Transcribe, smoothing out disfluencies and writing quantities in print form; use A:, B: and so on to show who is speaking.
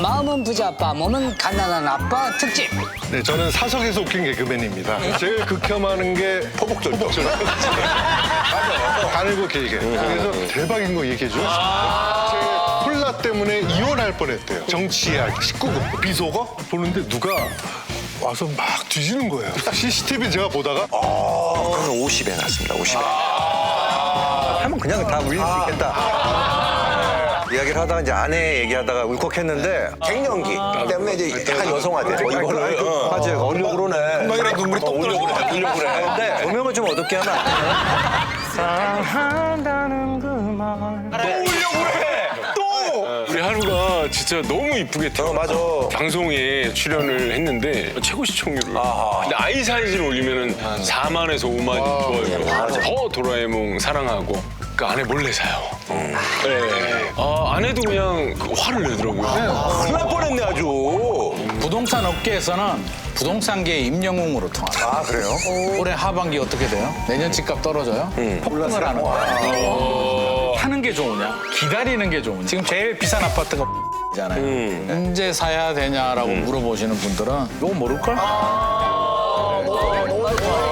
A: 마음은 부자 아빠, 몸은 가난한 아빠 특집.
B: 네, 저는 사석에서 웃긴 개그맨입니다. 제일 극혐하는 게 포복절. 가늘고 길게. 그래서 대박인 거 얘기해줘. 제 콜라 때문에 이혼할 뻔했대요. 정치 이야기, 19금. 비속어 보는데 누가 와서 막 뒤지는 거예요. CCTV 제가 보다가
C: 그러면 50에 났습니다. 50에. 하면 그냥 다 울릴 수 있겠다. 이야기를 하다가 이제 아내 얘기하다가 울컥했는데 갱년기 때문에 이제 약간 여성화돼. 이거를 맞아요. 어려고 그러네. 금방이라도 눈물이 또 울려고 그래. 근데 조명을 좀 어둡게 하면 안 돼요? 사랑한다는 그 말. 울려고 그래. 또.
D: 우리 하루가 진짜 너무 이쁘게
C: 맞아.
D: 방송에 출연을 했는데 최고 시청률을. 근데 아이 사이즈를 올리면은 4만에서 5만 좋아요. 더 도라에몽 사랑하고 그 아내 몰래 사요. 네. 아내도 그냥 화를 내더라고요.
C: 큰일 날 뻔했네 아주.
E: 부동산 업계에서는 부동산계의 임영웅으로 통합니다.
C: 아 그래요?
E: 올해 하반기 어떻게 돼요? 내년 집값 떨어져요? 폭등을 하는 거야. 하는 게 좋으냐? 기다리는 게 좋으냐? 지금 제일 비싼 아파트가 잖아요. 언제 사야 되냐라고 물어보시는 분들은 이거 모를걸?